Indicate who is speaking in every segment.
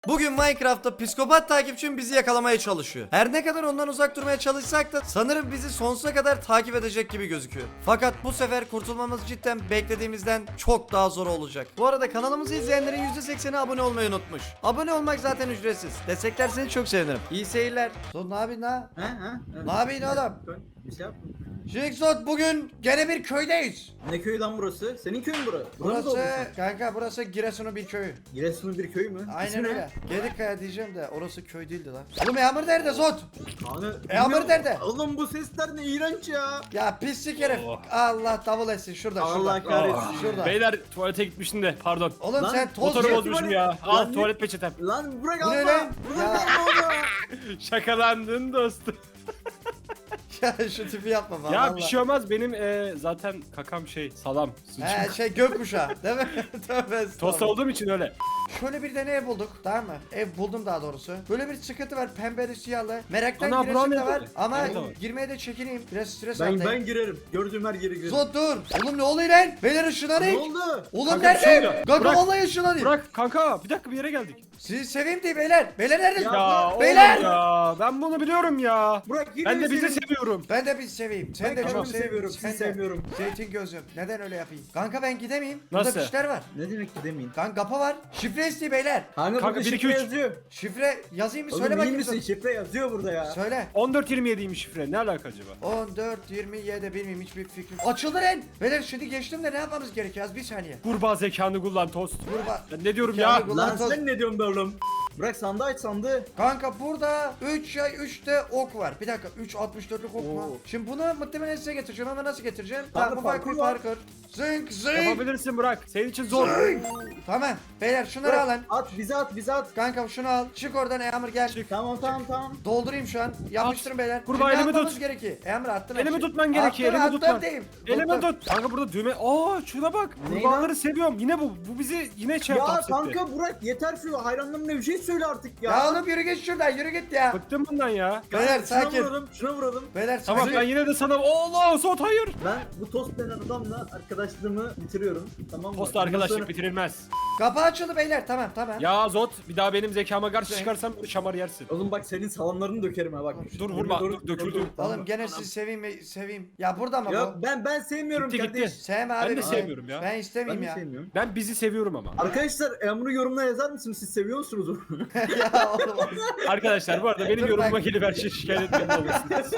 Speaker 1: Bugün Minecraft'ta psikopat takipçim bizi yakalamaya çalışıyor. Her ne kadar ondan uzak durmaya çalışsak da sanırım bizi sonsuza kadar takip edecek gibi gözüküyor. Fakat bu sefer kurtulmamız cidden beklediğimizden çok daha zor olacak. Bu arada kanalımızı izleyenlerin %80'i abone olmayı unutmuş. Abone olmak zaten ücretsiz. Desteklerseniz çok sevinirim. İyi seyirler. Son ne yapıyorsun ha? Ne yapıyorsun oğlum?
Speaker 2: Bir şey yap.
Speaker 1: Jigsaw bugün gene bir köydeyiz.
Speaker 2: Ne köyü lan burası? Senin köyün burası.
Speaker 1: Burası kanka burası Giresun'un bir köyü.
Speaker 2: Giresun'un bir köyü mü?
Speaker 1: Aynen
Speaker 2: İsmi ne?
Speaker 1: öyle. Gedikkaya diyeceğim de orası köy değildi lan. Oğlum Yağmur nerede Zot?
Speaker 2: Hani,
Speaker 1: Yağmur nerede?
Speaker 2: Oğlum bu sesler ne iğrenç ya.
Speaker 1: Ya pislik herif.
Speaker 3: Oh.
Speaker 1: Allah davul etsin şurada
Speaker 2: Allah
Speaker 1: şurada.
Speaker 2: kahretsin.
Speaker 1: Şurada.
Speaker 3: Beyler tuvalete gitmiştim de pardon.
Speaker 1: Oğlum
Speaker 2: Lan,
Speaker 1: sen toz
Speaker 3: Motoru
Speaker 1: ye.
Speaker 3: bozmuşum
Speaker 2: tuvalet-
Speaker 3: ya. Al
Speaker 2: Lan ne-
Speaker 3: tuvalet peçetem.
Speaker 2: Lan bırak
Speaker 1: Bu ne
Speaker 2: Allah.
Speaker 1: lan?
Speaker 2: Bırak
Speaker 1: Ya.
Speaker 2: Allah.
Speaker 3: Şakalandın dostum.
Speaker 1: Ya şu tipi yapma bana.
Speaker 3: Ya
Speaker 1: vallahi.
Speaker 3: bir şey olmaz benim zaten kakam salam.
Speaker 1: He şey gökkuşağı değil mi? Tövbe
Speaker 3: Tost
Speaker 1: estağfurullah.
Speaker 3: olduğum için öyle.
Speaker 1: Şöyle bir tane ev bulduk tamam mı? Ev buldum daha doğrusu. Böyle bir sıkıntı var pembeli siyahlı. Meraktan
Speaker 3: Ana,
Speaker 1: giresim de
Speaker 3: brownie
Speaker 1: var
Speaker 3: dedi.
Speaker 1: ama
Speaker 3: Evet, tamam.
Speaker 1: girmeye de çekineyim. Biraz stres
Speaker 2: Ben
Speaker 1: atlayayım.
Speaker 2: girerim. Gördüğüm her yere girerim.
Speaker 1: Zot dur. Oğlum ne oluyor lan? Beyler ışınlanın.
Speaker 2: Ne oldu?
Speaker 1: Oğlum
Speaker 3: Kanka, bir şey
Speaker 1: nerede?
Speaker 3: oluyor.
Speaker 1: Kanka
Speaker 3: Bırak.
Speaker 1: vallahi ışınlanayım.
Speaker 3: Bırak kanka bir dakika bir yere geldik.
Speaker 1: Sizi seveyim diye beyler. Beyler nerede?
Speaker 3: Ya
Speaker 1: Beyler.
Speaker 3: oğlum ya ben bunu biliyorum ya.
Speaker 2: Bırak yine
Speaker 3: Ben
Speaker 2: mi
Speaker 3: de bizi
Speaker 2: senin-
Speaker 3: seviyorum.
Speaker 1: Ben de bizi seveyim. Sen
Speaker 2: Ben
Speaker 1: de
Speaker 2: kendimi
Speaker 1: çok
Speaker 2: seviyorum,
Speaker 1: Sen
Speaker 2: sizi
Speaker 1: de.
Speaker 2: sevmiyorum.
Speaker 1: Zeytin gözüm. Neden öyle yapayım? Kanka ben gidemeyim. Burada
Speaker 3: Nasıl?
Speaker 1: fişler var.
Speaker 2: Ne demek ki demeyin.
Speaker 1: Kanka kapı var. Şifre isteği beyler.
Speaker 2: Kanka
Speaker 3: Kanka,
Speaker 2: burada
Speaker 3: 1, 2,
Speaker 2: şifre
Speaker 3: 3.
Speaker 2: yazıyor.
Speaker 1: Şifre yazayım mı?
Speaker 2: Oğlum
Speaker 1: Söyle
Speaker 2: iyi
Speaker 1: bakayım.
Speaker 2: misin?
Speaker 1: Zot.
Speaker 2: Şifre yazıyor burada ya.
Speaker 1: Söyle.
Speaker 3: 14-27'ymiş şifre ne alaka acaba?
Speaker 1: 14, 27 bilmiyorum hiçbir fikrim. Açıldı lan. Beyler şimdi geçtim de ne yapmamız gerekiyor? Az bir saniye.
Speaker 3: Kurbağa zekanı kullan tost.
Speaker 1: Kurba.
Speaker 3: Ben ne diyorum
Speaker 1: Zekanı
Speaker 3: ya?
Speaker 1: kullan.
Speaker 2: Lan sen ne diyorsun be oğlum? Bırak sandığı aç sandığı.
Speaker 1: Kanka burada 3 yay 3 de ok var. Bir dakika 3 64'lük ok mu?
Speaker 2: Oo.
Speaker 1: Şimdi bunu muhtemelen size getireceğim ama nasıl getireceğim?
Speaker 2: Kanka,
Speaker 1: Tamam bu parkur
Speaker 2: parkur var.
Speaker 1: parkur. Zınk zınk.
Speaker 3: Yapabilirsin Burak. Senin için zor.
Speaker 1: Tamam. Beyler şunları
Speaker 2: Bırak,
Speaker 1: alın.
Speaker 2: at bize at bize at.
Speaker 1: Kanka şunu al. Çık oradan Yağmur gel.
Speaker 2: Tamam.
Speaker 1: Doldurayım şu an. Yapıştırın beyler.
Speaker 3: Kurbağa,
Speaker 1: Şimdi ne
Speaker 3: elimi
Speaker 1: yapmamız
Speaker 3: tut.
Speaker 1: gerekiyor? Yağmur attın.
Speaker 3: Elimi
Speaker 1: aşağı.
Speaker 3: tutman gerekiyor, elimi
Speaker 1: attım
Speaker 3: tutman.
Speaker 1: diyeyim.
Speaker 3: Elime
Speaker 1: Tuttum.
Speaker 3: tut. Kanka burada düğme. Aa şuna bak.
Speaker 2: Ne
Speaker 3: Kurbağaları
Speaker 2: lan?
Speaker 3: seviyorum. Yine bu. Bu bizi yine şey
Speaker 2: Ya
Speaker 3: hapsetti.
Speaker 2: kanka bırak yeter şu hayranlarına bir şey söyle artık ya.
Speaker 1: Ya oğlum yürü git şuradan yürü git ya.
Speaker 3: Bıktım bundan ya.
Speaker 1: Beyler
Speaker 2: Şuna
Speaker 1: sakin.
Speaker 2: vuralım, şuna vuralım.
Speaker 1: Beyler
Speaker 3: Tamam
Speaker 1: sakin.
Speaker 3: ben yine de sana Allah Zot hayır.
Speaker 2: Ben bu tost denen adamla arkadaşlığımı bitiriyorum. Tamam mı?
Speaker 3: Posta
Speaker 2: Bundan
Speaker 3: arkadaşlık
Speaker 2: sonra-
Speaker 3: bitirilmez.
Speaker 1: Kapı açıldı beyler tamam tamam.
Speaker 3: Ya Zot bir daha benim zekama karşı çıkarsan bir şamar yersin.
Speaker 2: Oğlum bak senin salamlarını dökerim ha bak.
Speaker 3: Dur, vurma,
Speaker 2: Dur,
Speaker 3: döküldü.
Speaker 2: tamam.
Speaker 1: Oğlum gene sizi seveyim. Ya burada mı
Speaker 2: Ya
Speaker 1: bu?
Speaker 2: ben sevmiyorum
Speaker 3: Gitti,
Speaker 2: kardeş.
Speaker 3: gitti.
Speaker 1: Sevme abi.
Speaker 3: Ben de
Speaker 1: bizi.
Speaker 3: sevmiyorum ya.
Speaker 1: Ben
Speaker 2: Ben
Speaker 1: istemeyeyim
Speaker 2: de
Speaker 1: ya.
Speaker 2: sevmiyorum.
Speaker 3: Ben bizi seviyorum ama.
Speaker 2: Arkadaşlar bunu yorumlara yazar mısınız? Siz seviyor musunuz onu?
Speaker 1: Ya oğlum.
Speaker 3: Arkadaşlar bu arada benim
Speaker 1: Dur,
Speaker 3: yorumuma
Speaker 1: bak.
Speaker 3: gelip her şeyi şikayet etmeyin olmasın.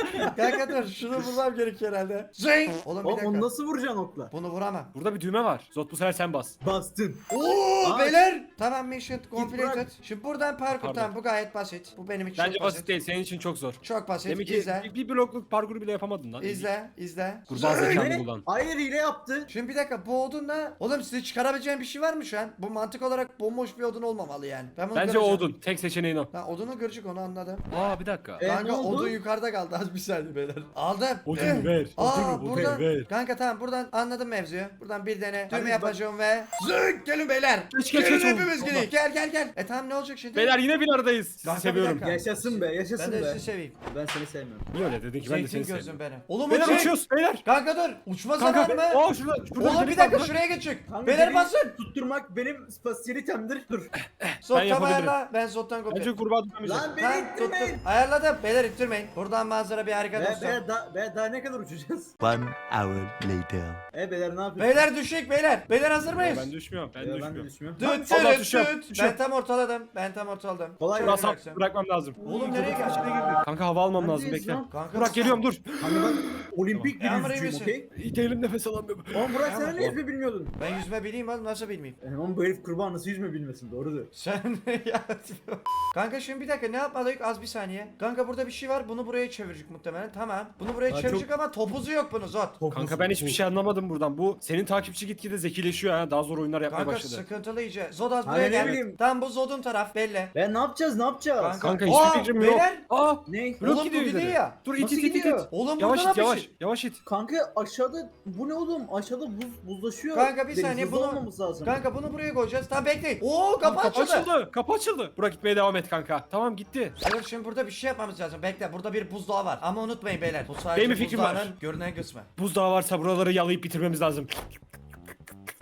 Speaker 1: Kanka dur şunu bulmam gerekiyor herhalde. Zing. Oğlum bir
Speaker 2: Oğlum
Speaker 1: dakika.
Speaker 2: onu nasıl vuracaksın okla?
Speaker 1: Bunu vuramam.
Speaker 3: Burada bir düğme var. Zot bu sefer sen bas.
Speaker 2: Bastın.
Speaker 1: Oo
Speaker 2: Aa.
Speaker 1: beyler. Tamam mission
Speaker 2: bırak.
Speaker 1: completed. Şimdi buradan parkur
Speaker 3: Pardon.
Speaker 1: tamam bu gayet basit. Bu benim için
Speaker 3: Bence
Speaker 1: çok
Speaker 3: basit değil. Senin için çok zor.
Speaker 1: Çok basit.
Speaker 3: Demek ki
Speaker 1: İzle.
Speaker 3: bir blokluk parkuru bile yapamadın lan.
Speaker 1: İzle.
Speaker 3: Kurbağa
Speaker 1: Zing.
Speaker 3: zekanı
Speaker 2: Ne?
Speaker 3: kullan.
Speaker 2: Hayır hile yaptı.
Speaker 1: Şimdi bir dakika bu odunla oğlum size çıkarabileceğim bir şey var mı şu an? Bu mantık olarak bomboş bir odun olmamalı yani. Ben bunu
Speaker 3: Bence
Speaker 1: göreceğim.
Speaker 3: odun. Tek seçeneğin o.
Speaker 1: Ha odunu görecek onu anladım.
Speaker 3: Aa bir dakika.
Speaker 2: E,
Speaker 1: Kanka
Speaker 2: ne oldu?
Speaker 1: odun yukarıda kaldı az bir saniye beyler. Aldım.
Speaker 3: Odunu ver.
Speaker 1: Aa
Speaker 3: Odunu
Speaker 1: buradan.
Speaker 3: ver.
Speaker 1: Kanka tamam buradan anladım mevzuyu. Buradan bir tane düğme
Speaker 2: bak.
Speaker 1: yapacağım ve zık gelin beyler.
Speaker 3: Geç,
Speaker 1: Gelin
Speaker 3: geç,
Speaker 1: hepimiz
Speaker 3: oğlum.
Speaker 1: gelin. Gel. Tamam ne olacak şimdi?
Speaker 3: Beyler yine bir aradayız. Sizi
Speaker 1: Kanka, bir
Speaker 3: seviyorum.
Speaker 1: dakika.
Speaker 2: Yaşasın be
Speaker 1: Ben
Speaker 2: yaşasın
Speaker 1: de
Speaker 2: be.
Speaker 1: sizi seveyim.
Speaker 2: Ben seni sevmiyorum.
Speaker 3: Niye öyle dedin ki ben de
Speaker 1: Zeytin
Speaker 3: seni
Speaker 1: gözüm
Speaker 3: seviyorum.
Speaker 1: benim. Oğlum
Speaker 3: Beyler
Speaker 1: uçuyor.
Speaker 3: uçuyoruz beyler.
Speaker 1: Kanka dur. Uçma
Speaker 3: Kanka.
Speaker 1: zamanı mı?
Speaker 3: Aa şurada.
Speaker 1: Oğlum bir dakika şuraya geçecek.
Speaker 2: Kanka,
Speaker 1: Beyler
Speaker 2: beni
Speaker 1: basın.
Speaker 2: Tutturmak benim spasiyelitemdir. Dur.
Speaker 1: Zottan
Speaker 3: yapabilirim.
Speaker 1: ayarla. Ben zottan
Speaker 3: Bence
Speaker 1: kopayım.
Speaker 3: kurbağa tutamayacak.
Speaker 2: Lan beni
Speaker 1: Tamam
Speaker 2: ittirmeyin.
Speaker 1: tuttum. Ayarladım. Beyler ittirmeyin. Buradan manzara bir harika dostum.
Speaker 2: Daha ne kadar uçacağız?
Speaker 4: 1 hour later.
Speaker 2: Beyler ne yapıyorsun?
Speaker 1: Beyler düşük beyler. Beyler hazır mıyız?
Speaker 3: Ben düşmüyorum. Ben
Speaker 2: Ben de
Speaker 3: düşmüyorum.
Speaker 2: düşmüyorum.
Speaker 1: Düt
Speaker 3: Allah
Speaker 1: düt
Speaker 3: düşüyor,
Speaker 1: düt.
Speaker 3: düşüyor.
Speaker 1: Ben tam ortaladım.
Speaker 2: Kolay
Speaker 1: Şöyle
Speaker 3: Burası
Speaker 1: bıraksam.
Speaker 3: bırakmam lazım.
Speaker 1: Oğlum nereye
Speaker 3: girdik,
Speaker 1: geldik?
Speaker 3: içine girdik. Kanka hava almam lazım
Speaker 2: Neredeyiz
Speaker 3: bekle.
Speaker 2: lan?
Speaker 1: Kanka
Speaker 3: Burak geliyorum dur.
Speaker 2: Kanka ben olimpik bir
Speaker 1: Yağmur iyi
Speaker 2: yüzücüyüm
Speaker 1: misin?
Speaker 2: okey?
Speaker 3: İyi değilim nefes alamıyorum.
Speaker 2: Oğlum Burak
Speaker 1: Yağmur.
Speaker 2: sen ne yüzme bilmiyordun?
Speaker 1: Ben yüzme bileyim oğlum nasıl bilmeyeyim?
Speaker 2: Oğlum bu herif kurbağa nasıl yüzme bilmesin doğrudur.
Speaker 1: Sen ya. Kanka şimdi bir dakika ne yapmadık az bir saniye. Kanka burada bir şey var bunu buraya çevirecek muhtemelen tamam. Bunu buraya
Speaker 2: Ha,
Speaker 1: çevirecek ama topuzu yok bunu Zot.
Speaker 3: Kanka ben hiçbir şey anlamadım buradan. Bu senin takipçi gitgide zekileşiyor ha. Daha zor oyunlar yapmaya
Speaker 1: Kanka
Speaker 3: başladı.
Speaker 1: sıkıntılı iyice. Zod az
Speaker 2: Hani
Speaker 1: buraya
Speaker 2: ne
Speaker 1: gel.
Speaker 2: bileyim.
Speaker 1: Tamam bu Zod'un taraf belli.
Speaker 2: Ben ne yapacağız?
Speaker 3: Kanka
Speaker 1: Aa,
Speaker 3: hiçbir fikrim yok.
Speaker 1: beyler.
Speaker 3: Aa
Speaker 2: Ne?
Speaker 3: blok
Speaker 1: Oğlum,
Speaker 3: gidiyor
Speaker 1: bu gidiyor
Speaker 3: ileri.
Speaker 1: ya.
Speaker 3: Dur
Speaker 2: Nasıl
Speaker 3: it it it
Speaker 2: gidiyor?
Speaker 3: it.
Speaker 1: Oğlum
Speaker 3: Yavaş
Speaker 1: burada
Speaker 3: it
Speaker 1: da bir
Speaker 3: yavaş.
Speaker 1: şey.
Speaker 3: Yavaş it.
Speaker 2: Kanka aşağıda bu ne oğlum? Aşağıda buzlaşıyor.
Speaker 1: Kanka bir
Speaker 2: Deniz,
Speaker 1: saniye
Speaker 2: hızlı
Speaker 1: bunu
Speaker 2: olmamız lazım.
Speaker 1: Kanka bunu buraya koyacağız. Tamam bekleyin. Oo kapı
Speaker 3: Kapı
Speaker 1: açıldı.
Speaker 3: açıldı. Kapı açıldı. Burak gitmeye devam et kanka. Tamam gitti.
Speaker 1: Evet şimdi burada bir şey yapmamız lazım. Bekle burada bir buzdağı var. Ama unutmayın beyler. Bu sadece
Speaker 3: Benim bir fikrim var.
Speaker 1: buzdağının görünen kısmı.
Speaker 3: Buzdağı varsa buraları yalayıp bitirmemiz lazım.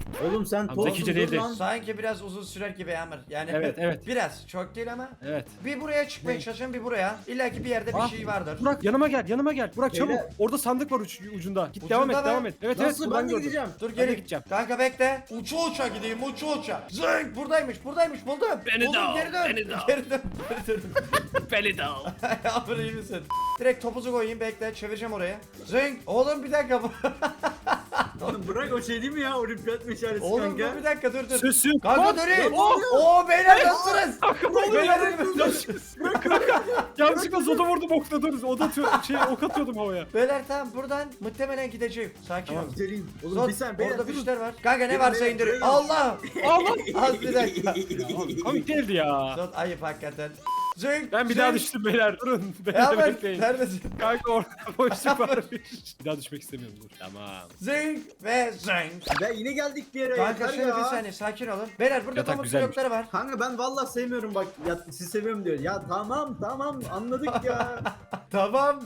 Speaker 2: Oğlum sen
Speaker 3: Tamam, zekice
Speaker 2: tozsuz dur
Speaker 3: değildi.
Speaker 2: lan.
Speaker 1: Sanki biraz uzun sürer gibi Yağmur. Yani
Speaker 3: Evet, evet.
Speaker 1: biraz çok değil ama.
Speaker 3: Evet.
Speaker 1: Bir buraya çıkmaya çalışın, bir buraya. İlla ki bir yerde bir
Speaker 3: Ah,
Speaker 1: şey vardır.
Speaker 3: Burak yanıma gel, yanıma gel. Burak çabuk.
Speaker 2: Beyler.
Speaker 3: Orada sandık var ucunda. Git
Speaker 1: Ucunda
Speaker 3: devam et,
Speaker 1: mı?
Speaker 3: devam et. Evet, evet.
Speaker 2: Nasıl
Speaker 3: buradan
Speaker 2: ben de
Speaker 3: gördüm.
Speaker 2: gideceğim?
Speaker 1: Dur
Speaker 3: Ben de
Speaker 1: geri.
Speaker 3: gideceğim.
Speaker 1: Kanka bekle. Uça uça gideyim, uça uça. Zınk buradaymış buldum.
Speaker 3: Beni
Speaker 1: buldum,
Speaker 3: de al,
Speaker 1: geri dön.
Speaker 3: beni de al.
Speaker 1: Geri dön. Geri dön.
Speaker 3: Beni de al.
Speaker 1: Yağmur iyi misin? Direkt topuzu koyayım, bekle, çevireceğim oraya. Zınk. Oğlum bir dakika.
Speaker 2: Oğlum bırak o şey değil mi ya? Olimpiyat meşalesi
Speaker 1: Oğlum
Speaker 2: kanka.
Speaker 1: dur bir dakika, dur.
Speaker 3: Sözsün.
Speaker 1: Kanka durayım.
Speaker 2: ne oluyor?
Speaker 1: Oo beyler nasılsınız? Beyler
Speaker 3: Yanlışlıkla zoda vurdum okla dur. Ok atıyordum havaya.
Speaker 1: Beyler tamam, buradan muhtemelen gideceğim. Sakin
Speaker 3: Tamam.
Speaker 1: ol.
Speaker 2: Gidelim. Oğlum
Speaker 1: Zot,
Speaker 2: bir saniye beyler
Speaker 1: orada
Speaker 2: durun.
Speaker 1: fişler var. Kanka ne
Speaker 2: Gelin,
Speaker 1: varsa
Speaker 2: beyler,
Speaker 1: indir.
Speaker 2: gelin.
Speaker 1: Allah.
Speaker 3: Allah.
Speaker 1: Az bir dakika.
Speaker 3: Komik değildi ya.
Speaker 1: Zot ayıp hakikaten. Zınk.
Speaker 3: Ben bir daha
Speaker 1: zınk.
Speaker 3: düştüm beyler. Durun. Beni
Speaker 1: Ya
Speaker 3: de
Speaker 1: ben
Speaker 3: bekleyin.
Speaker 1: neredesin?
Speaker 3: Kanka orada boşluk varmış. Bir daha düşmek istemiyorum dur. Tamam.
Speaker 1: Zınk ve zınk.
Speaker 2: Ya yine geldik bir yere.
Speaker 1: Kanka
Speaker 2: yeter
Speaker 1: şimdi
Speaker 2: ya.
Speaker 1: bir saniye sakin olun. Beyler burada
Speaker 3: Yatak
Speaker 1: pamuk
Speaker 3: güzelmiş.
Speaker 1: blokları var.
Speaker 2: Kanka ben vallahi sevmiyorum bak. Ya siz seviyorum diyor. Ya tamam anladık ya.
Speaker 1: Tamam.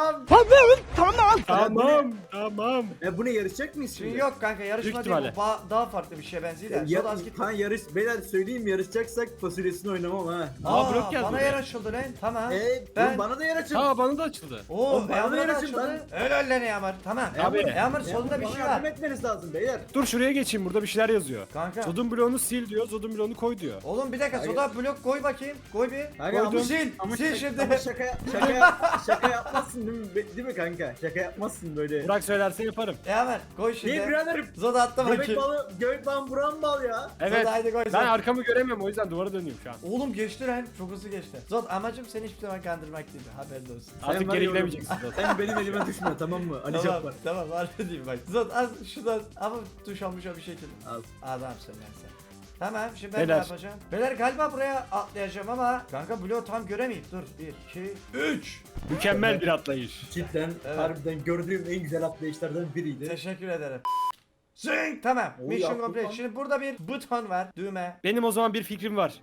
Speaker 3: Tamam. Tamam.
Speaker 2: Bu ne yarışacak mıyız
Speaker 1: Şimdi
Speaker 2: şimdi?
Speaker 1: yok kanka, yarışma
Speaker 3: Büyük
Speaker 1: değil bu.
Speaker 3: ihtimalle.
Speaker 1: Daha farklı bir şeye benziyor da.
Speaker 2: Ya,
Speaker 1: Zot az git.
Speaker 2: kan yarış beyler söyleyeyim yarışacaksak fasulyesini oynamam ha.
Speaker 3: blok geldi
Speaker 1: bana
Speaker 3: buraya.
Speaker 1: yer açıldı lan. Tamam.
Speaker 2: Ben bana da yer açın.
Speaker 3: Ha bana da açıldı.
Speaker 1: Oo
Speaker 2: Oğlum, bana
Speaker 1: Yağmur'a
Speaker 2: da yer
Speaker 1: da
Speaker 2: açın
Speaker 1: açıldı. Öyle lan Yağmur. Tamam.
Speaker 3: Abi.
Speaker 1: Yağmur solunda bir
Speaker 2: Bana
Speaker 1: şey
Speaker 2: yardım
Speaker 1: var.
Speaker 2: etmeniz lazım beyler.
Speaker 3: Dur şuraya geçeyim. Burada bir şeyler yazıyor.
Speaker 1: Kanka.
Speaker 3: Zodun bloğunu sil diyor. Zodun bloğunu koy diyor.
Speaker 1: Oğlum bir dakika,
Speaker 2: Hayır.
Speaker 1: soda blok koy bakayım. Koy bir.
Speaker 2: Kanka ama,
Speaker 3: Koydum.
Speaker 1: Sil. Sil şimdi.
Speaker 2: Ama şaka yapmazsın değil mi? Değil mi kanka? Şaka yapmazsın böyle.
Speaker 3: Burak söylerse yaparım.
Speaker 1: Yağmur koy şimdi.
Speaker 2: Niye biraderim?
Speaker 1: Zoda attı
Speaker 2: Göbek
Speaker 1: bakayım.
Speaker 2: balı, göbek balı buram bal ya.
Speaker 3: Evet.
Speaker 1: Zoda haydi koy
Speaker 3: Ben
Speaker 1: Zod.
Speaker 3: arkamı göremiyorum o yüzden duvara dönüyorum şu an.
Speaker 1: Oğlum geçti lan. Çok hızlı geçti. Zod amacım seni hiçbir zaman kandırmak değil. Haberin olsun.
Speaker 3: Artık
Speaker 2: var
Speaker 3: geri
Speaker 2: ya oğlum.
Speaker 3: gidemeyeceksin Zod.
Speaker 2: Sen benim elime düşme tamam mı? Ali
Speaker 1: Tamam,
Speaker 2: Cabbar.
Speaker 1: tamam harbi diyeyim bak. Zod az şuradan ama tuş almış bir şekilde.
Speaker 2: Al.
Speaker 1: Adamsın lan sen. Tamam şimdi ben
Speaker 3: Beyler.
Speaker 1: ne yapacağım? Beyler galiba buraya atlayacağım ama kanka bloğu tam göremeyip dur. 1, 2, 3.
Speaker 3: Mükemmel bir atlayış.
Speaker 2: Cidden
Speaker 1: Evet.
Speaker 2: harbiden gördüğüm en güzel atlayışlardan biriydi.
Speaker 1: Teşekkür ederim. Zing tamam.
Speaker 2: Oy,
Speaker 1: Mission
Speaker 2: yaptın
Speaker 1: complete.
Speaker 2: lan.
Speaker 1: Şimdi burada bir buton var. Düğme.
Speaker 3: Benim o zaman bir fikrim var.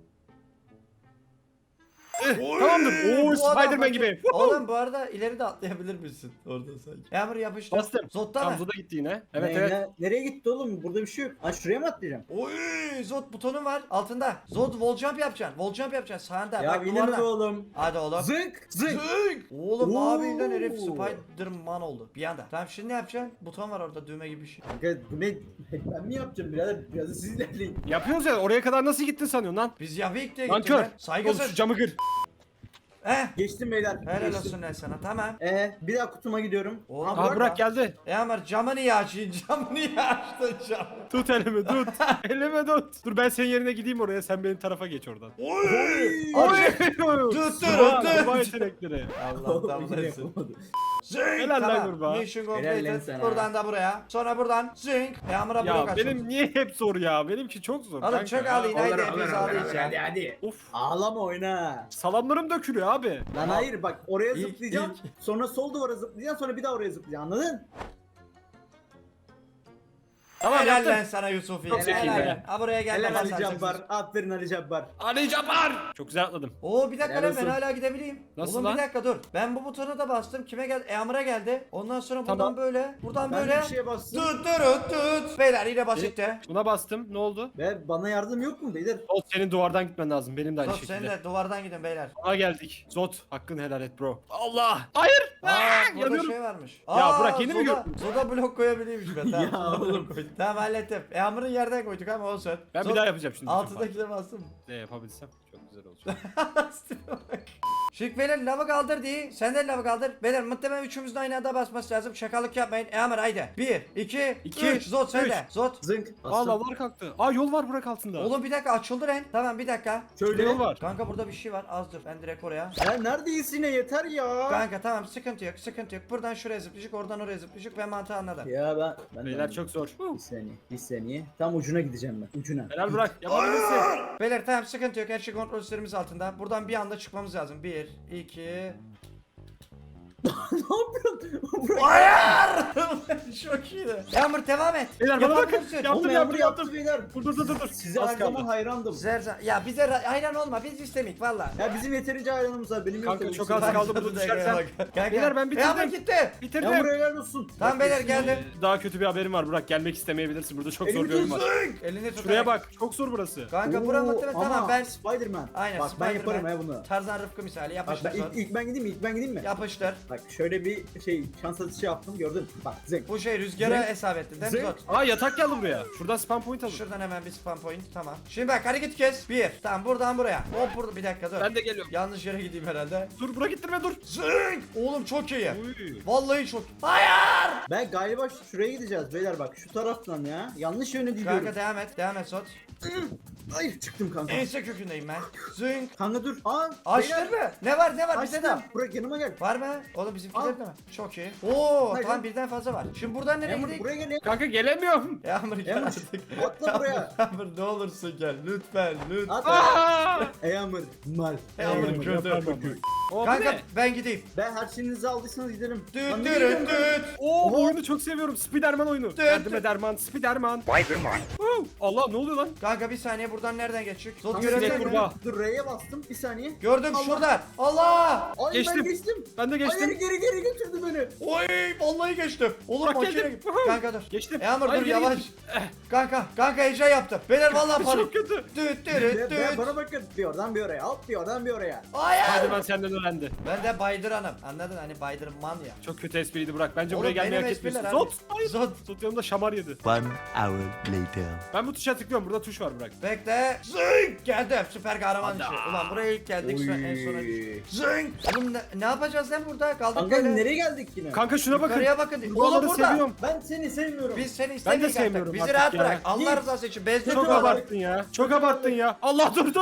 Speaker 1: Oy,
Speaker 3: Tamamdır. Oo,
Speaker 1: bu adam
Speaker 3: Spider-Man
Speaker 1: bakın-
Speaker 3: gibi.
Speaker 1: Oğlum bu arada ileri de atlayabilir misin? Orada sanki. Yağmur yapıştı.
Speaker 3: Bastım.
Speaker 1: Zod'da
Speaker 3: Tam
Speaker 1: mı?
Speaker 3: Zod'a gitti yine. Evet
Speaker 2: Ne-
Speaker 3: evet.
Speaker 2: Nereye gitti oğlum? Burada bir şey yok. Ha şuraya mı atlayacağım?
Speaker 1: Oy Zod butonun var altında. Zod wall jump yapacaksın. Wall jump yapacaksın sağında.
Speaker 2: Ya
Speaker 1: Bak
Speaker 2: yine mi
Speaker 1: duvardan.
Speaker 2: oğlum?
Speaker 1: Hadi oğlum.
Speaker 2: Zınk! Zınk!
Speaker 1: Zing! Oğlum
Speaker 2: Oo.
Speaker 1: abi lan herif Spider-Man oldu bir anda. Tamam şimdi ne yapacaksın? Buton var orada düğme gibi bir şey.
Speaker 2: Kanka bu ne? Ben mi yapacağım birader? Biraz da siz ilerleyin.
Speaker 3: Yapıyoruz ya oraya kadar nasıl gittin sanıyorsun lan?
Speaker 1: Biz Yavik diye
Speaker 3: Lan
Speaker 1: gittik
Speaker 3: kör.
Speaker 1: lan.
Speaker 3: Oğlum şu
Speaker 1: Saygısız.
Speaker 3: camı kır.
Speaker 2: Geçtim beyler.
Speaker 1: Helal
Speaker 2: Geçtim.
Speaker 1: olsun lan sana tamam.
Speaker 2: Bir daha kutuma gidiyorum.
Speaker 1: Oğlum,
Speaker 2: Ha,
Speaker 3: Aa
Speaker 2: Burak-
Speaker 3: Burak geldi.
Speaker 1: Yağmur camı niye açayım? Camı niye açtın cam?
Speaker 3: Tut elimi tut. elimi tut. Dur ben senin yerine gideyim oraya sen benim tarafa geç oradan.
Speaker 1: Oy!
Speaker 3: Oy!
Speaker 1: Tut,
Speaker 3: Sıva,
Speaker 1: tut.
Speaker 3: sıva yetenekleri.
Speaker 1: Allah'tan
Speaker 2: Yine
Speaker 1: bulasın.
Speaker 2: yapamadı.
Speaker 1: Zing!
Speaker 3: Helal lan
Speaker 1: Tamam.
Speaker 3: kurbağa.
Speaker 1: Mission
Speaker 2: Helal lan
Speaker 1: completed.
Speaker 2: sana.
Speaker 1: Buradan da buraya. Sonra buradan zing. Yağmur'a blok
Speaker 3: Ya
Speaker 1: açıldı.
Speaker 3: benim niye hep zor ya? Benimki çok zor.
Speaker 1: Oğlum
Speaker 3: kanka
Speaker 1: çok
Speaker 3: ya.
Speaker 1: ağlayın haydi
Speaker 2: Olur,
Speaker 1: hepiniz
Speaker 2: olur, olur,
Speaker 1: ağlayın ya.
Speaker 2: Hadi hadi.
Speaker 3: Of.
Speaker 2: Ağlama oyna.
Speaker 3: Salamlarım dökülüyor abi.
Speaker 2: Lan hayır bak oraya
Speaker 1: İlk-
Speaker 2: zıplayacaksın. Sonra sol duvara zıplayacaksın sonra bir daha oraya zıplayacaksın anladın?
Speaker 3: Tamam
Speaker 1: Helal
Speaker 3: yaptım.
Speaker 1: lan sana Yusuf.
Speaker 3: Çok zekiyim
Speaker 1: Helal.
Speaker 3: be.
Speaker 1: Ha buraya gel.
Speaker 2: Helal
Speaker 1: bak,
Speaker 2: Ali
Speaker 1: sen
Speaker 2: Cabbar.
Speaker 1: çeksin.
Speaker 2: Aferin Ali Cabbar.
Speaker 3: Ali Cabbar. Çok güzel atladım.
Speaker 1: Oo bir dakika
Speaker 2: Helal
Speaker 1: lan ben
Speaker 2: olsun.
Speaker 1: hala gidebileyim.
Speaker 3: Nasıl
Speaker 1: Oğlum
Speaker 3: lan?
Speaker 1: bir dakika dur. Ben bu butona da bastım. Kime geldi? Yağmur'a geldi. Ondan sonra buradan
Speaker 3: Tamam.
Speaker 1: böyle. Buradan
Speaker 2: Ben
Speaker 1: böyle.
Speaker 2: bir şeye bastım.
Speaker 1: Tut. Beyler yine basitti.
Speaker 3: Buna bastım. Ne oldu?
Speaker 2: Ve bana yardım yok mu beyler?
Speaker 3: Zod senin duvardan gitmen lazım. Benim de aynı
Speaker 1: Zod sen
Speaker 3: şekilde.
Speaker 1: de duvardan gidin beyler.
Speaker 3: Aa geldik. Zod hakkını helal et bro. Allah. Hayır.
Speaker 1: Aa burada
Speaker 3: yanıyorum.
Speaker 1: şey varmış.
Speaker 3: Ya Burak, yeni mi gördün?
Speaker 1: Zoda blok koyabiliyormuş ben. Tamam,
Speaker 2: Ya
Speaker 1: Zoda blok
Speaker 2: oğlum.
Speaker 1: koydum. Tamam hallettim. Yağmur'un yerden koyduk ama olsun.
Speaker 3: Ben bir daha yapacağım şimdi.
Speaker 1: Altıdakileri bastım mı?
Speaker 3: Ne yapabilsem çok güzel olacak.
Speaker 1: Şık beyler lavı kaldır diye. Sen de lavı kaldır. Beyler muhtemelen üçümüzün aynı anda basması lazım. Şakalık yapmayın. Yağmur haydi. 1, 2,
Speaker 3: İki,
Speaker 1: 3. Zod sen
Speaker 3: üç.
Speaker 1: de. Zod.
Speaker 2: Zınk.
Speaker 3: Aa
Speaker 2: Bastım.
Speaker 3: lavlar kalktı. Aa yol var Burak altında.
Speaker 1: Oğlum bir dakika açıldı lan. Tamam bir dakika.
Speaker 2: Şöyle.
Speaker 3: Yol var.
Speaker 1: Kanka burada bir şey var. Az dur. Ben direkt oraya.
Speaker 2: Ya neredeyiz yine yeter ya.
Speaker 1: Kanka tamam sıkıntı yok. Sıkıntı yok. Buradan şuraya zıplayacak. Oradan oraya zıplayacak. Ben mantığı anladım.
Speaker 2: Ya ben
Speaker 3: Beyler çok zor.
Speaker 2: Bir saniye. Tam ucuna gideceğim ben. Ucuna.
Speaker 3: Helal Burak. Yapabilirsin.
Speaker 1: Beyler tamam sıkıntı yok. Her şey kontrol sistemimiz altında. Buradan bir anda çıkmamız lazım. 1, 2,
Speaker 2: Ne yapıyorsun? Bırak.
Speaker 1: Hayır! Çok iyiydi. Yağmur devam et.
Speaker 3: Beyler bana bakın.
Speaker 1: Yapabilirsin.
Speaker 3: Yaptım
Speaker 2: Oğlum
Speaker 3: yaptım
Speaker 2: yaptı
Speaker 3: yaptım.
Speaker 2: beyler.
Speaker 3: Dur.
Speaker 2: Size
Speaker 3: Az
Speaker 2: her zaman
Speaker 3: kaldı.
Speaker 2: hayrandım.
Speaker 1: Ya bize hayran olma, biz istemik valla.
Speaker 2: Ya bizim yeterince hayranımız var. Benim yok
Speaker 3: Kanka,
Speaker 2: tabii.
Speaker 3: çok
Speaker 2: Sizin
Speaker 3: az
Speaker 2: var.
Speaker 3: kaldı. bunu düşersen. Beyler, ben bitirdim.
Speaker 1: Yağmur gitti.
Speaker 3: Bitirdim.
Speaker 2: Ya buraya helal olsun.
Speaker 1: Tamam beyler geldim.
Speaker 3: Daha kötü bir haberim var Burak. Gelmek istemeyebilirsin. Burada çok zor
Speaker 2: Elimi
Speaker 3: bir oyun var.
Speaker 2: tutsun.
Speaker 1: Elini tut.
Speaker 3: Şuraya bak. Çok zor burası.
Speaker 1: Kanka bura muhtemelen
Speaker 2: Oo,
Speaker 1: tamam
Speaker 2: ama
Speaker 1: ben.
Speaker 2: Spider-Man.
Speaker 1: Aynen
Speaker 2: Bak ben yaparım
Speaker 1: Spider-Man.
Speaker 2: ya bunu.
Speaker 1: Tarzan Rıfkı misali
Speaker 2: Bak
Speaker 1: yapıştır
Speaker 2: ben
Speaker 1: son.
Speaker 2: ilk ben gideyim mi? İlk ben gideyim mi?
Speaker 1: Yapıştır.
Speaker 2: Bak şöyle bir şans atışı yaptım gördün. Bak zek.
Speaker 1: Bu şey rüzgara
Speaker 2: Zek.
Speaker 1: hesap ettin değil mi
Speaker 2: Zek.
Speaker 1: Zot?
Speaker 3: Aa, yatak geldi buraya. Şuradan spam point alın.
Speaker 1: Şuradan hemen bir spam point tamam. Şimdi bak hareket kes. Bir. Tamam buradan buraya. Hop burada bir dakika dur.
Speaker 3: Ben de geliyorum.
Speaker 1: Yanlış yere gideyim herhalde.
Speaker 3: Dur Burak, gittirme dur.
Speaker 1: Zing! Oğlum çok iyi.
Speaker 3: Uy.
Speaker 1: Vallahi çok. Hayır!
Speaker 2: Ben galiba şuraya gideceğiz beyler bak şu taraftan ya. Yanlış yöne gidiyorum.
Speaker 1: Kanka devam et. Devam et Zot.
Speaker 2: Ay çıktım kanka.
Speaker 1: Ense kökündeyim ben. Zing!
Speaker 2: Kanka dur. Aa
Speaker 1: Açtın mı? Ne var ne var bize de.
Speaker 2: Açtım. Bırak yanıma gel.
Speaker 1: Var mı? Oğlum bizimkiler
Speaker 2: Al.
Speaker 1: de mi? Çok iyi. Oo
Speaker 2: Hayır,
Speaker 1: tamam
Speaker 2: lan.
Speaker 1: birden fazla var. Şimdi buradan nereye
Speaker 2: Yağmur
Speaker 1: gidelim?
Speaker 2: buraya gel ya.
Speaker 3: Kanka gelemiyorum.
Speaker 1: Yağmur gel
Speaker 2: Yağmur,
Speaker 1: artık.
Speaker 2: atla buraya.
Speaker 1: Yağmur ne olursun gel lütfen lütfen.
Speaker 2: At.
Speaker 3: Aa!
Speaker 2: Yağmur mal.
Speaker 1: Yağmur
Speaker 2: Yağmur,
Speaker 1: kötü.
Speaker 2: yapma.
Speaker 3: O, bu
Speaker 1: Kanka
Speaker 3: ne?
Speaker 1: ben gideyim.
Speaker 2: Ben her şeyinizi aldıysanız gidelim.
Speaker 1: Düt
Speaker 2: Lan
Speaker 1: düt
Speaker 2: niye gidiyorum ben?
Speaker 1: düt.
Speaker 3: Oo, bu
Speaker 2: Oha.
Speaker 3: oyunu çok seviyorum. Spiderman oyunu. Derdime derman, Spiderman. Allah, ne oluyor lan?
Speaker 1: Kanka bir saniye buradan nereden geçecek? Zot
Speaker 2: Kanka,
Speaker 1: görebilir
Speaker 3: sinek
Speaker 1: miyim?
Speaker 3: kurbağa.
Speaker 2: Dur R'ye bastım bir saniye.
Speaker 1: Gördüm
Speaker 2: Allah.
Speaker 1: şuradan. Allah!
Speaker 2: Ay
Speaker 3: Geçtim.
Speaker 2: ben geçtim.
Speaker 3: Ben de geçtim.
Speaker 2: Hayır geri götürdü beni.
Speaker 1: Oy vallahi geçtim. Oğlum
Speaker 3: Bak,
Speaker 1: makine.
Speaker 3: geldim.
Speaker 1: Kanka dur.
Speaker 3: Geçtim.
Speaker 1: Yağmur
Speaker 3: Hayır,
Speaker 1: dur
Speaker 3: geri
Speaker 1: yavaş.
Speaker 3: gittim.
Speaker 1: Kanka heyecan yaptım. Beyler vallahi panik.
Speaker 3: Çok kötü.
Speaker 1: Düt
Speaker 2: Ya,
Speaker 1: düt düt.
Speaker 2: bana bakın. Bir oradan bir oraya. Hop bir oradan bir oraya.
Speaker 1: Hayır.
Speaker 3: Spiderman senden öğrendi.
Speaker 1: Ben de Baydıran'ım. Anladın hani Baydırman ya.
Speaker 3: Çok kötü espriydi Burak. Bence
Speaker 1: Oğlum,
Speaker 3: buraya gelmeyi
Speaker 1: benim
Speaker 3: hak
Speaker 1: espriler
Speaker 3: etmiyorsun.
Speaker 1: abi.
Speaker 3: Zot. Hayır.
Speaker 1: Zot.
Speaker 3: Zot yanımda şamar yedi.
Speaker 4: 1 hour later.
Speaker 3: Ben bu tuşa tıklıyorum. Burada tuş var Burak.
Speaker 1: Bekle. Zing! Geldim. Süper kahraman
Speaker 3: Hadi.
Speaker 1: işi. Ulan buraya ilk geldik sonra en sona düştük. Zing! Oğlum ne yapacağız lan burada? Kaldık
Speaker 2: Kanka
Speaker 1: böyle.
Speaker 2: nereye geldik yine?
Speaker 3: Kanka şuna bakın.
Speaker 1: Yukarıya bakın. Oğlum
Speaker 3: Buraları
Speaker 1: burada.
Speaker 3: seviyorum.
Speaker 2: Ben seni sevmiyorum.
Speaker 1: Biz seni
Speaker 3: Ben de
Speaker 1: istemiyoruz artık.
Speaker 3: sevmiyorum
Speaker 1: Bizi
Speaker 3: artık
Speaker 1: rahat
Speaker 3: ya.
Speaker 1: bırak. Allah
Speaker 2: Git.
Speaker 1: rızası için. Bezdir
Speaker 3: Çok
Speaker 1: buraları.
Speaker 3: abarttın ya. Çok abarttın ya. Allah dur.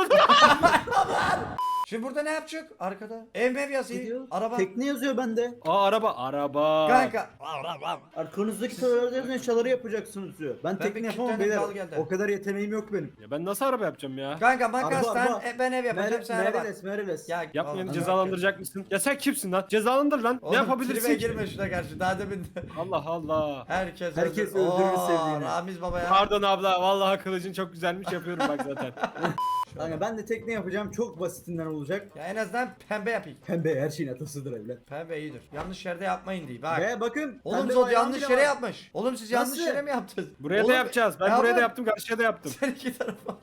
Speaker 1: Şimdi burada ne yapacak? Arkada. Ev mev yazıyor.
Speaker 2: Gidiyor.
Speaker 1: Araba.
Speaker 2: Tekne yazıyor bende.
Speaker 3: Aa, araba.
Speaker 1: Kanka.
Speaker 2: Arkanızdaki tavırlarda yazan eşyaları yapacaksınız diyor. Ben
Speaker 1: bir
Speaker 2: tekne yapamam
Speaker 1: kilitlendim,
Speaker 2: beyler.
Speaker 1: kal geldi.
Speaker 2: O kadar yeteneğim yok benim.
Speaker 3: Ya ben nasıl araba yapacağım ya?
Speaker 1: Kanka makastan
Speaker 2: araba.
Speaker 1: ben ev yapacağım sen araba.
Speaker 2: Mereles.
Speaker 1: Ya
Speaker 3: Yapmayanı
Speaker 1: oğlum,
Speaker 3: cezalandıracak mısın? Ya sen kimsin lan? Cezalandır lan.
Speaker 1: Oğlum,
Speaker 3: Ne yapabilirsin
Speaker 1: tribe
Speaker 3: ki?
Speaker 1: girme şuna karşı. Daha demin
Speaker 3: Allah Allah.
Speaker 1: herkes
Speaker 2: Herkes öldürür sevdiğini.
Speaker 1: Ramiz baba ya.
Speaker 3: Pardon abla. Vallahi kılıcın çok güzelmiş, yapıyorum bak zaten.
Speaker 2: Kanka ben de tekne yapacağım. Çok basitinden olacak.
Speaker 1: Ya en azından pembe yapayım.
Speaker 2: Pembe her şeyin atasıdır evlat.
Speaker 1: Pembe iyidir. Yanlış yerde yapmayın diye. Bak.
Speaker 2: Ve bakın.
Speaker 1: Oğlum
Speaker 2: pembe
Speaker 1: Zod
Speaker 2: bayrağım
Speaker 1: yanlış
Speaker 2: bile
Speaker 1: yere
Speaker 2: var.
Speaker 1: yapmış. Oğlum siz yanlış
Speaker 2: Nasıl?
Speaker 1: yere mi yaptınız?
Speaker 3: Buraya
Speaker 1: Oğlum,
Speaker 3: da yapacağız. Ben
Speaker 1: ya
Speaker 3: buraya da
Speaker 1: bak,
Speaker 3: yaptım, karşıya da yaptım.
Speaker 1: Sen iki tarafa.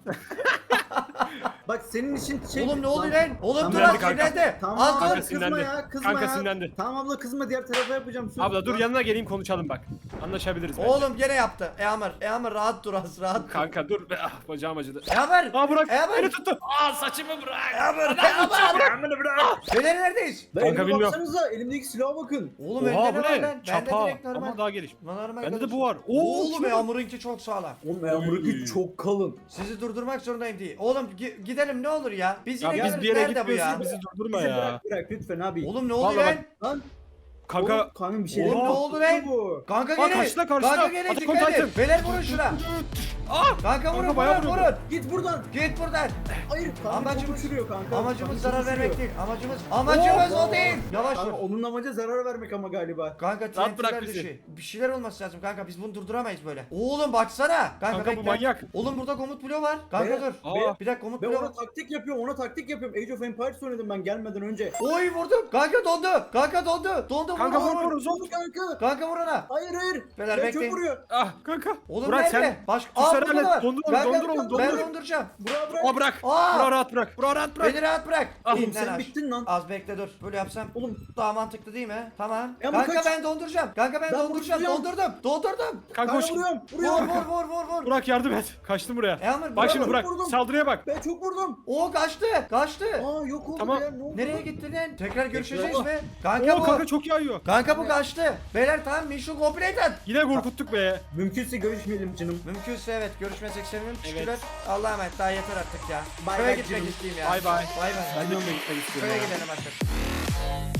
Speaker 2: Bak senin için şey...
Speaker 1: Oğlum ne oluyor lan? Oğlum dur
Speaker 3: Sinirlendi
Speaker 1: az
Speaker 3: kanka.
Speaker 1: sinirlendi.
Speaker 2: Tamam
Speaker 1: Az
Speaker 3: Kanka
Speaker 1: dur.
Speaker 2: kızma
Speaker 3: sinirlendi.
Speaker 2: ya kızma
Speaker 3: Kanka
Speaker 2: ya.
Speaker 3: sinirlendi.
Speaker 2: Tamam abla kızma diğer tarafa yapacağım. Söz.
Speaker 3: Abla dur,
Speaker 2: Lan.
Speaker 3: yanına geleyim konuşalım bak. Anlaşabiliriz bence.
Speaker 1: Oğlum gene yaptı. Eamur rahat dur az rahat dur.
Speaker 3: Kanka dur. Ah, bacağım acıdı.
Speaker 1: Eamur.
Speaker 3: Aa, bırak.
Speaker 1: Eamur.
Speaker 3: Beni tuttu. Aa, saçımı bırak.
Speaker 1: Eamur.
Speaker 3: Beni bırak.
Speaker 1: Beyler neredeyiz?
Speaker 2: Ben
Speaker 3: Kanka
Speaker 2: elime
Speaker 3: bilmiyorum.
Speaker 2: baksanıza elimdeki silaha bakın.
Speaker 1: Oğlum
Speaker 3: Oha,
Speaker 1: elde
Speaker 3: bu
Speaker 1: ne var
Speaker 3: ne?
Speaker 1: lan? Bende
Speaker 3: Çapa.
Speaker 1: direkt normal.
Speaker 3: Ama daha geliş.
Speaker 1: Normal
Speaker 3: Bende de
Speaker 1: kalmış.
Speaker 3: bu var.
Speaker 1: Oğlum
Speaker 3: şuna bak.
Speaker 1: Eamur'unki çok sağlam.
Speaker 2: Oğlum yağmuraki çok kalın.
Speaker 1: Sizi durdurmak zorundayım diye. Oğlum gidelim ne olur ya. Biz
Speaker 3: Ya
Speaker 1: yine
Speaker 3: biz
Speaker 1: geliriz.
Speaker 3: bir yere
Speaker 1: Nerede bu ya?
Speaker 3: gitmiyorsun. Bizi durdurma
Speaker 2: Bizi
Speaker 3: ya.
Speaker 2: bırak lütfen abi.
Speaker 1: Oğlum ne oluyor
Speaker 3: Vallahi
Speaker 1: lan?
Speaker 2: Lan.
Speaker 3: Kanka.
Speaker 2: Oğlum, kanka bir şey
Speaker 1: Oğlum ne oldu lan?
Speaker 2: Bu.
Speaker 1: Kanka
Speaker 3: Bak,
Speaker 1: gelin.
Speaker 3: karşıda.
Speaker 1: Kanka gelin
Speaker 3: Attack on
Speaker 1: dikkat edin.
Speaker 3: Titan.
Speaker 1: Beyler vurun şuna.
Speaker 3: Aa!
Speaker 1: Kanka vurun
Speaker 3: bayağı
Speaker 1: vurun
Speaker 3: vurdu.
Speaker 1: vurun.
Speaker 2: Git buradan.
Speaker 1: Git buradan.
Speaker 2: Hayır kanka
Speaker 1: Amacımız-
Speaker 2: çok uçuruyor kanka.
Speaker 1: Amacımız
Speaker 2: Kanka,
Speaker 1: zarar
Speaker 2: çok
Speaker 1: vermek
Speaker 2: uçuruyor.
Speaker 1: değil. Amacımız
Speaker 2: Oo,
Speaker 1: o değil. Yavaş
Speaker 2: Kanka
Speaker 1: vur.
Speaker 2: onun amacı zarar vermek ama galiba.
Speaker 1: Kanka
Speaker 3: Rahat bırak
Speaker 1: TNT'ler
Speaker 3: bizi.
Speaker 1: dışı. Bir şeyler olması lazım kanka. Biz bunu durduramayız böyle. Oğlum baksana.
Speaker 3: Kanka bu
Speaker 1: bekle.
Speaker 3: manyak.
Speaker 1: Oğlum burada komut bloğu var. Kanka
Speaker 2: Be-
Speaker 1: dur.
Speaker 3: Aa.
Speaker 1: Bir dakika komut
Speaker 2: Ben
Speaker 1: bloğu
Speaker 2: ona
Speaker 1: var.
Speaker 2: taktik yapıyorum, Age of Empires oynadım ben gelmeden önce.
Speaker 1: Oy vurdum. Kanka dondu. Kanka dondu. Dondu
Speaker 3: Kanka
Speaker 1: vur.
Speaker 3: vur.
Speaker 2: Zor kanka.
Speaker 1: Kanka vur ona.
Speaker 2: Hayır.
Speaker 1: Beyler,
Speaker 2: Ben
Speaker 1: bekleyin.
Speaker 2: çok vuruyor.
Speaker 3: Ah kanka.
Speaker 1: Oğlum
Speaker 3: Burak
Speaker 1: nerede?
Speaker 3: sen.
Speaker 1: Başka.
Speaker 3: Tuşları
Speaker 1: burada
Speaker 3: hallet.
Speaker 1: var.
Speaker 3: Dondur onu,
Speaker 1: Kanka,
Speaker 3: dondur onu,
Speaker 1: Ben
Speaker 3: dondur.
Speaker 1: donduracağım.
Speaker 2: Burak bırak.
Speaker 3: Aa, bırak.
Speaker 1: Aa!
Speaker 3: Burak rahat bırak. Burak rahat bırak.
Speaker 1: Beni rahat bırak.
Speaker 3: Ah,
Speaker 1: İn
Speaker 2: Oğlum
Speaker 1: lan
Speaker 2: sen
Speaker 1: aş.
Speaker 2: bittin lan.
Speaker 1: Az bekle dur. Böyle yapsam.
Speaker 2: Oğlum
Speaker 1: Daha mantıklı değil mi? Tamam.
Speaker 2: Ya bu
Speaker 1: Kanka
Speaker 2: kaç-
Speaker 1: ben donduracağım. Kanka ben
Speaker 2: Ben
Speaker 1: donduracağım.
Speaker 2: vuruyorum.
Speaker 1: Dondurdum.
Speaker 3: Kanka
Speaker 2: kanka
Speaker 3: hoş.
Speaker 2: vuruyorum.
Speaker 1: Vur
Speaker 2: Vuruyorum.
Speaker 1: vur.
Speaker 3: Burak yardım et. Kaçtım buraya.
Speaker 1: Eamur
Speaker 3: Bak şimdi
Speaker 2: Burak,
Speaker 3: Burak.
Speaker 2: vurdum.
Speaker 3: Saldırıya bak.
Speaker 2: Ben çok vurdum.
Speaker 1: O kaçtı.
Speaker 2: Aa yok oldu
Speaker 3: Tamam.
Speaker 2: ya ne oldu?
Speaker 1: Nereye gitti lan? Tekrar görüşeceğiz
Speaker 2: Tekrar.
Speaker 1: mi? Kanka
Speaker 3: Oo,
Speaker 1: bu.
Speaker 3: kanka çok yağıyor.
Speaker 1: Kanka bu kaçtı. Beyler tamam mission completed.
Speaker 3: Yine korkuttuk be.
Speaker 2: Mümkünse görüşmeyelim canım.
Speaker 1: Mümkünse evet görüşmesek sevinirim.
Speaker 3: Evet.
Speaker 1: Teşekkürler. Allah'a emanet daha yeter artık ya.
Speaker 2: Bay
Speaker 1: Köye
Speaker 2: bay
Speaker 1: gitmek
Speaker 2: canım.
Speaker 1: isteyeyim ya.
Speaker 3: Bay bay.
Speaker 1: Bay bay.
Speaker 3: Ben de onunla gitmek istiyorum.
Speaker 1: Köye
Speaker 3: ya.
Speaker 1: gidelim artık.